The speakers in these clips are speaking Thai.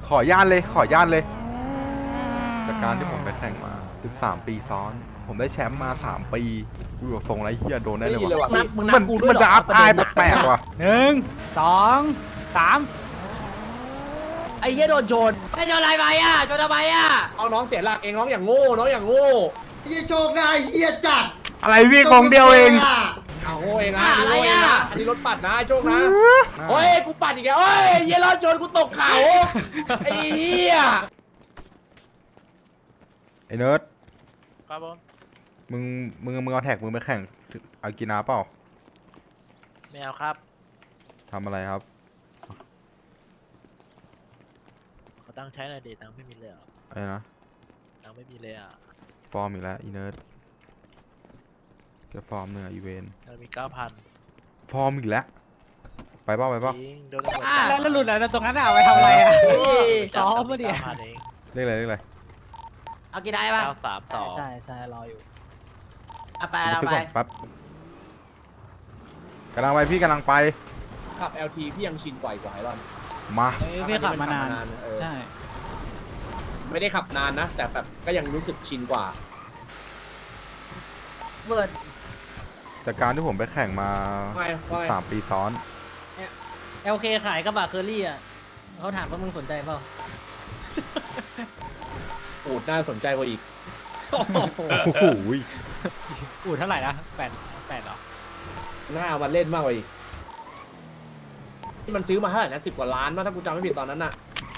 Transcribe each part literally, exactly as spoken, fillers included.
ขอญาตเลยขอญาตเลยจากการที่ผมไปแข่งมาสิบสามปีซ้อน ผมได้แชมป์มาสามปีกูบอกทรงไรเฮียโดนได้เลยวะนับมึงนัมับนกูด้วยมันเหรจะออัพอายประเด็นแปลกๆว่ะหนึ่งสองสามไอ้เหี้ยโดนโจรไอ้โจรอะไรไปอ่ะโจรทำไมอ่ะเอาน้องเสียหลักเองน้องอย่างโง่น้องอย่างโง่เฮียโชคได้เฮียจัดอะไรพี่ของเดียวเองเอาโง่เองนะอันนี้โง่เองนะอันนี้รถปัดนะไอ้โชคนะโอ้ยกูปัดอีกแล้วโอ้ยเหี้ยรอดโจรกูตกเขาไอ้เหี้ยไอ้เนิร์ดครับผมมึงมึงมึงเอาแท็กมึงไปแข่งอากินาเปล่าไม่เอาครับทำอะไรครับเขาตั้งใช้หน่อยเดตังค์ไม่มีเลยอ่ะอะไรนะตังค์ไม่มีเลยอ่ะฟอร์มอีกแล้วอีเนิร์ดแกฟอร์มเนื้ออีเวนเรามีเก้าพันฟอร์มอีกแล้วไปเปล่าไปเปล่าจริงโดนตำรวจอ่ะจับแล้วหลุดอะไรตรงนั้นอ่ะเอาไปทำอะไรอ่ะจับมาดิเก้าพันเองเรียกอะไรเรียกอะไรเอากี่ได้ป่ะเก้าสามสองใช่ใช่รออยู่เอาไปมาเอาซื้อไปก่อนแป๊บกำลังไปพี่กำลังไปขับ แอล ที พี่ยังชินกว่าอีกว่าไอ้รอนมาเอ้ยพี่ขับมานานเออใช่ไม่ได้ขับนานนะ แต่แบบก็ยังรู้สึกชินกว่าเบิร์ดจากการที่ผมไปแข่งมาไม่ไม่สามปีซ้อนเอลเคขายกระบะเคอรี่อ่ะเขาถามว่ามึงสนใจเปล่าอูดน่าสนใจกว่าอีกโอ้โหโอ้โหอูดเท่าไหร่นะแปดแปดเหรอน่าเอามาเล่นมากกว่าอีกที่มันซื้อมาเท่าไหร่นะสิบกว่าล้านมั้งถ้ากูจำไม่ผิดตอนนั้นน่ะ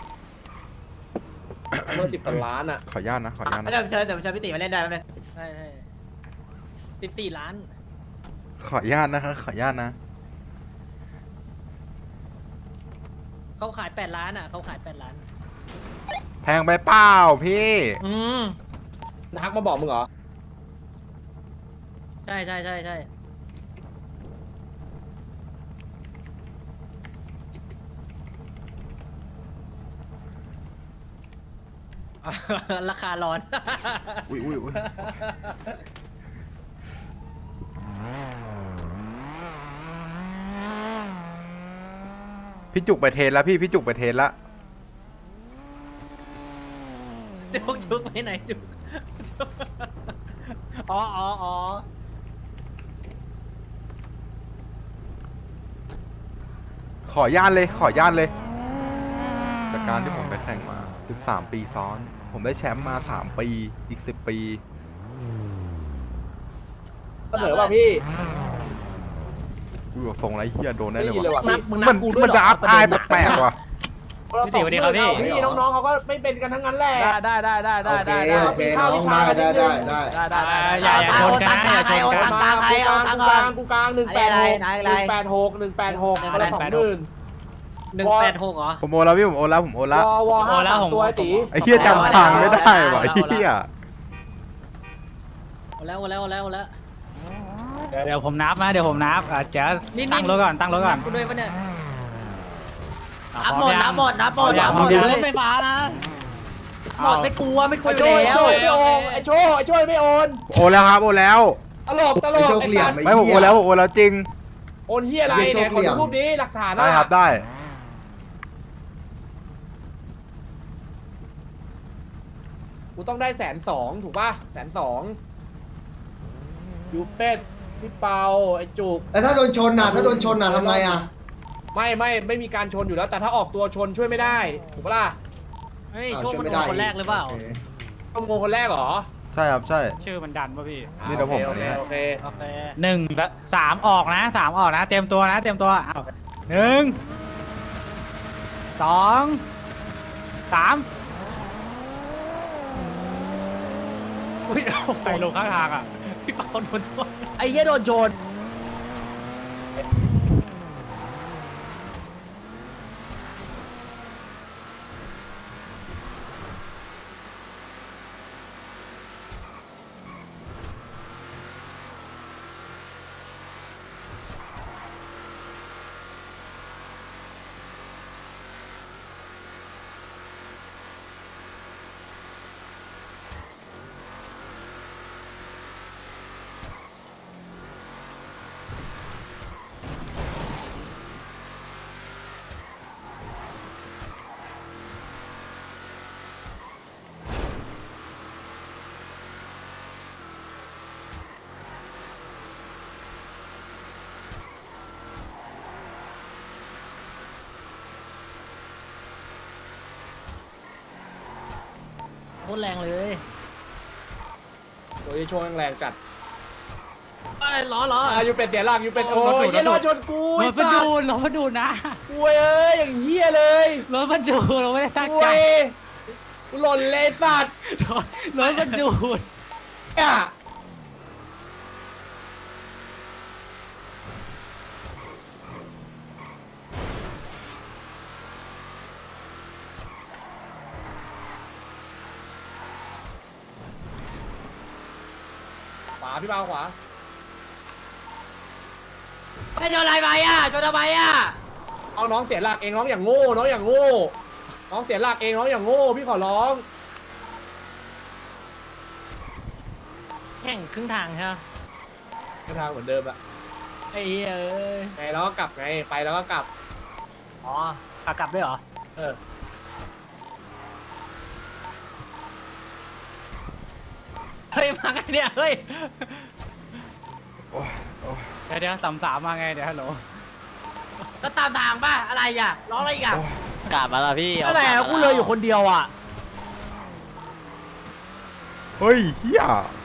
เมื่อสิบกว่าล้านอ่ะขออนุญาตนะขออนุญาตไม่นะได้เชิญแต่เชิญพี่ติมาเล่นได้ไหมใช่ใช่สิบสี่ล้านขออนุญาตนะครับขออนุญาตนะเขาขายแปดล้านอ่ะเขาขายแปดล้านแพงไปเปล่าพี่อืมทักมาบอกมึงเหรอใช่ใช่ใช่ใช่ราคาร้อนอุ้ยอุ้ยอุ้ยพี่จุกไปเทรนแล้วพี่พี่จุกไปเทรนแล้วจุกจุกไปไหนจุกจุกอ๋ออ๋ออ๋อขออนุญาตเลยขออนุญาตเลยจากการที่ผมไปแข่งมาสิบสามปีซ้อน ผมได้แชมป์มาสามปีอีกสิบปีเสนอป่ะพี่กูบอกทรงไรเฮียโดนได้ได้เลยยินเลยว่ะว่ะนับพี่มึงนัมับนกูด้วยมันจะอัพอายแปลกๆว่ะพี่ติ๋วสวัสดีครับพี่พี่น้องๆเขาก็ไม่เป็นกันทั้งนั้นแหละได้ได้ได้ได้โอเคได้โอเคน้องได้ได้ได้ได้ได้ได้อย่าอย่าชนกันนะอย่าชนเอากันตังค์ใครเอาตังค์ก่อนกูกลางหนึ่งแปดหกหนึ่งแปดหกหนึ่งแปดหกคนละสองหมื่นหนึ่งแปดหกเหรอผมโอนแล้วพี่ผมโอนแล้วผมโอนแล้ววอวอห้าโอ้แล้วสามผมตัวไอ้ตีไอ้เฮียจำทางไม่ได้ว่ะไอ้เฮียเอาแล้วเอาแล้วเอาแล้วเอาแล้วเดี๋ยวผมนับนะเดี๋ยวผมนับอ่ะเจ๊นี่ตั้งรถก่อนตั้งรถก่อนกูด้วยปะเนี่ยอ่ะนับพหมร้อดยังนับหมดนับหมดนับหมดพร้อมเลยังยรถไฟฟ้านะหมดไม่กลัวไม่กลัวไอ้อโชยู่ยแล้วไอ้โชยไม่โอนไอ้โชยไอ้โชยไม่โอนโอนแล้วครับโอนแล้วตลกตลไอ้กโชคไอ้เหลี่ยสัมตว์ไอ้ไม่ผมเฮีโอย นแล้วผมโอนแล้วจริงโอนเฮียอะไรไอ้โชเนี่ยคขอเหลี่ดูยมรูปนี้หลักฐานได้ครับได้กูต้องได้แสนสองถูกป่ะแสนสองยูเป็ดพี่เปาไอ้จุกแล้วถ้าโดนชนน่ะถ้าโดนชนน่ะทำไงอ่ะไม่ไม่ไม่มีการชนอยู่แล้วแต่ถ้าออกตัวชนช่วยไม่ได้ถูกปะล่ะเฮ้ยอ้าวโชคช่วยมันไม่โดได้นคนแรกเลยเปล่าโอคต้องโงคนแรกเหรอใช่ครับใช่ชื่อมันดันป่ะพี่นี่เดี๋ยวผมโออันเคนี้โอเคโอเคหนึ่งและสามออกนะสามออกนะ เตรียมตัวนะ เตรียมตัวอ้าวหนึ่งสองสามอุ้ยใครลงข้างทางอ่ะพี่เปาโดนชนไอ้เหี้ยโดนโจรโคตรแรงเลยโดยโชว์แรงจัดเอ้ยล้อล้ออ่ะยูเป็ดเสียหลักยูเป็ดโอ้ยเหี้ยรถชนกูรไอ้ถมันสัดูสดรถมันดูดนะกูเอ้ยอย่างเหี้ยเลยรถมันดูดเราไม่ได้ตั้งกูใจเอ้ยกูหล่นเลยสัตว์รถรถมันดูดอ่ะขวาพี่เบาขวาไม่ชนอะไรไปอ่ะชนทำไมอ่ะเอาน้องเสียหลักเองน้องอย่างโง่น้องอย่างโง่น้องเสียหลักเองน้องอย่างโง่พี่ขอร้องแข่งครึ่งทางใช่ไหมทางเหมือนเดิมอะไอ้เหี้ยเอ้ยไงแล้วก็กลับไงไปแล้วก็กลับอ๋อขากลับด้วยเหรอเออเฮ้ยมาไงเนี่ยเฮ้ยโอ้ยโอ้ยเดี๋ยวเดี๋ยวสามสามมาไงเดี๋ยวฮัลโหลก็ตามทางป่ะอะไรอ่ะร้องอะไรอีกอ่ะโอ้ยกลับมาละพี่อะไรอ่ะกูเลยอยู่คนเดียวอ่ะเฮ้ยเฮีย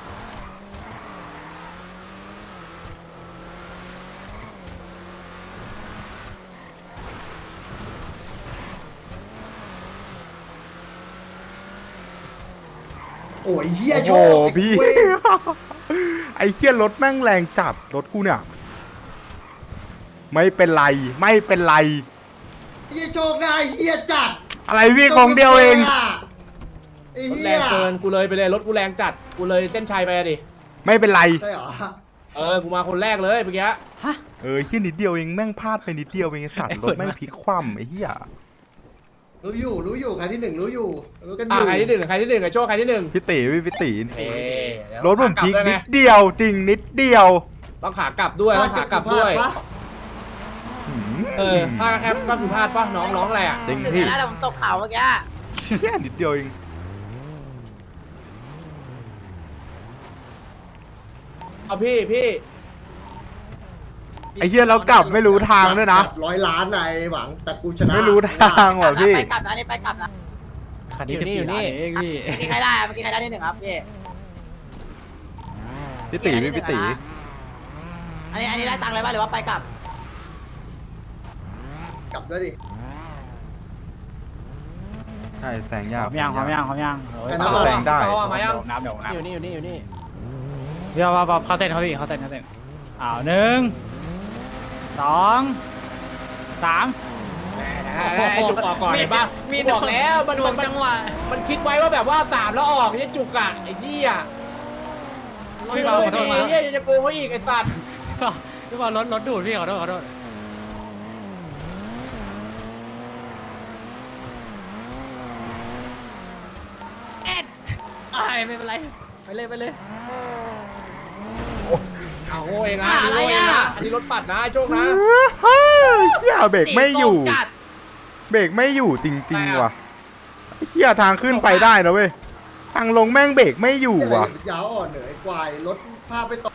โอ้ยเฮียโอ้โชโหคพี่เว้ยไอ้เฮียรถแม่งแรงจัดรถกูเนี่ย ไม่เป็นไรไม่เป็นไรเฮียโชคได้เฮียจัดอะไรพี่ของเดียวเองไอ้รถเฮีแรยงเกินกูเลยไปเลยรถกูแรงจัดกูเลยเส้นชัยไปอะดิไม่เป็นไรใช่เหรอเออกูมาคนแรกเลยเมื่อกี้เออเฮียนิดเดียวเองแม่งพลาดไปนิดเดียวเองไอ้สัตว์รถแม่งพลิกคว่ำไอ้เฮียรู้อยู่รู้อยู่ใครที่หนึ่งรู้อยู่รู้กันออ่ะยู่ใครที่หนึ่งใครที่หนึ่งไอ้โชคใครที่หนึ่งพี่ตีพี่พี่ตีเอ๊ะเดี๋ยวรถผมพลิกขากบด้วยนิไงดเดียวจริงนิดเดียวต้องขากลับด้วยต้องขากลับด้วยพลาปะหืมเออพลาดแคปก็คือพลาดปะน้องร้องอะไรอ่ะจริงเดี๋พี่ยวนะเดี๋ยวผมตกเขาเมื่อกี้แค่นิดเดียวเองเอาพี่พี่ไอ้เฮียเรากลับไม่รู้ทางด้วยนะแบบร้อยล้านนายหวังแต่กูชนะไม่รู้ทางว่ะพี่ไปกลับนะนี่ไปกลับนะคันนี้อยู่สิบนี่สี่อยู่นี่ล้านเองพี่เมื่อกี้ใครได้เมื่อกี้ใครได้ที่หนึ่งครับพี่พี่ตีพี่พี่ตีอันนี้อันนี้ได้ตังค์เลยป่ะหรือว่าไปกลับกลับด้วยดิใช่แสงหยากอมย่างหอมย่างหอมย่างแค่เอานั้นแรเลยงได้เอามายังน้ำเดี๋ยวน้ำอยู่นี่อยู่นี่อยู่นี่เดี๋ยวมาเขาเต้นเขาพี่เขาเต้นเขาเต้นอ้าวหนึ่งสองสามไอ้จุกออกก่อนเห็นปะมีกูบอกแล้วมันดวมังนมันจังหวะมันคิดไว้ว่าแบบว่าสามแล้วออกไอ้จุกอ่ะไอ้ที่อ่ะพี่บอลขอโทษไอ้มาเหี้ยจะโกงเขาอีกไอ้สัตว์พี่บอลรถรถดูดพี่ขอโทษขอโทษเอ็ดไอ้ไม่เป็นไรไปเลยไปเลยเอาโง่เองนะอ่ะอะไรอ่ะอันนี้รถปัดนะไอ้โชคนะเฮ้ยเฮียเบรกไม่อยู่ตีโกงจัดเบรกไม่อยู่จริงๆว่ะเฮียทางขึ้นไปได้นะเว้ยทางลงแม่งเบรกไม่อยู่เฮียอะไรว่ะยาวอ่อนเหนื่อยควายรถพาไปต่อ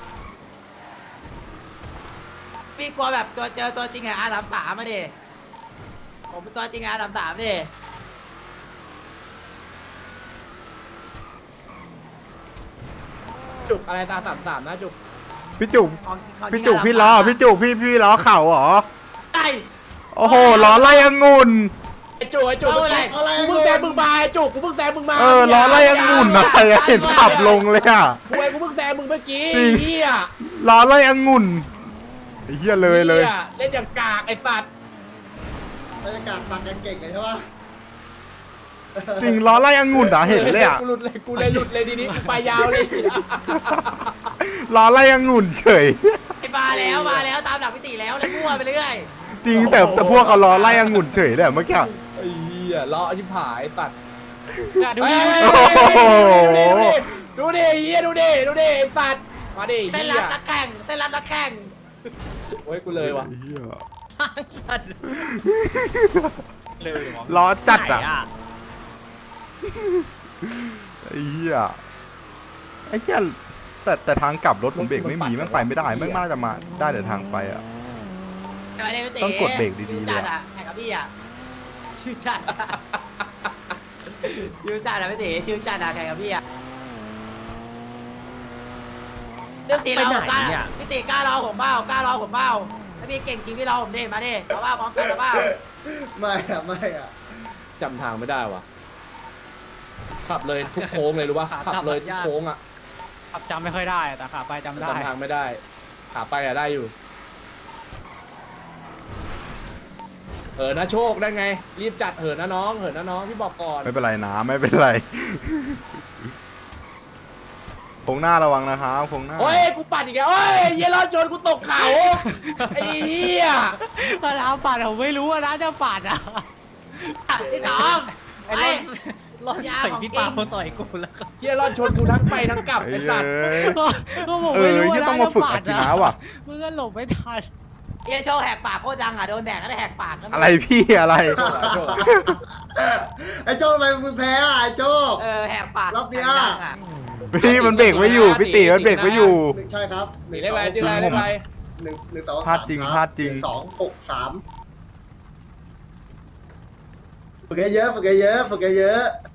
พี่กลัวแบบตัวเจอตัวจริงไงอาสามสามมาดิผมเป็นตัวจริงไงอาสามสามดิจุกอะไรตาสามสามนะจุกพี่จุกของของพี่จุกพี่ล้อพี่จุกพี่พี่ล้อเข่าเหรอไอ้โอ้โหล้อไล่องุ่นไอ้จุกไอ้จุกเอาอะไรอะไรกูเพิ่งแซงมึงมาไอ้จุกกูเพิ่งแซงมึงมาเออล้อไล่องุ่นอะไรอะเห็นขับลงเลยอ่ะกูไอ้กูเพิ่งแซงมึงเมื่อกี้จริงเฮียล้อไล่องุ่นไอ้เฮียเลยเลยหี้เล่นอย่างกากไอ้สัตว์บรรยากาศปากยังเก่งเลยใช่ปะจริงล้อไล่องุ่นอ่ะเห็นเลยอ่ะกูหลุดเลยกูเลยหลุดเลยทีนี้กูไปยาวเลยล้อไล่องุ่นเฉยไอ้มาแล้วมาแล้วตามหลักพิติแล้วเลยมั่วไปเรื่อยจริงแต่แต่พวกเขาล้อไล่องุ่นเฉยเลยอะเมื่อกี้ไอ้เหี้ยล้อชิบหายตัดดูเฮ้ดิยโอ้โหดูดิเฮียดูดิดูดิไอ้สัตว์มาดิเต้นเฮีรัยบนักแข่งเต้นรับนักแข่งโอ้ยกูเลยว่ะเหี้ยเลยล้อจัดอ่ะไหนไอ้เหี้ยไอ้เหี้ยแต่แต่ทางกลับรถผมเบรกไม่มีแม่งไปไม่ได้แม่งน่าจะมาได้แต่ทางไปอ่ะไอ้พิติต้องกดเบรกดีๆเลยอะชื่อจัดอะแข่งกับพี่อะชื่อจัดอะชิวจัดอะพี่ตีชิวจัดอะแข่งกับพี่อะเรื่องพี่ไปตีไหนเรากล้าเนี่ยพี่ตีกล้ารอผมเปล่ากล้ารอผมเปล่าถ้าพี่เก่งจริงพี่รอผมดิมาดิเอาว่าพร้อมกันหรือเปล่าไม่อะไม่อะจำทางไม่ได้ว่ะขับเลยทุกโค้งเลยรู้ป่ะขับเลยทุกโค้งอ่ะขับจำไม่ค่อยได้แต่ขาไปจำได้จำทางไม่ได้ ขาไปอะได้อยู่ เออนะโชคได้ไง รีบจัดเหินนะน้องเหินนะน้องพี่บอกก่อนไม่เป็นไรนะไม่เป็นไรโค้งหน้าระวังนะครับโค้งหน้าโอ้ยกูปัดอีกแล้วโอ้ยเหี้ยรอดชนกูตกเขาไอ้เหี้ยมาแล้วปัดผมไม่รู้ว่านะจะปัดอ่ะที่สองไอ้ไปรถรถใส่พี่เปาต่อยกูแล้วก็เหี้ยรอดชนกูทั้งไปทั้งกลับเอ้ไอ้ยสัตว์ก็ผมเอไม่อรู้ที่ว่าต้องนะมาฝึกจะอาปัดกิอ่ะนะว่ะมึงก็หลบไม่ทันเฮียโชว์แหกปากโคตรดังอ่ะโดนแดกก็ได้แหกปากนะอะไรพี่อะไรโชคอะโชคอะไอ้โจ้ทำไมมึงแพ้อะไอ้โจ้เออแหกปากรอบเนี้ยดังๆอะพี่มันเบรกไม่อยู่พี่ตีมันเบรกไม่อยู่หนึ่งใช่ครับหนีเลขอะไรตีอะไรเลขอะไรหนึ่งหนึ่งสองพลาดจริงสมคบพลาดจริงหนึ่สองหกสามฝึกเยอะๆฝึกเยอะๆฝึกเยอะๆ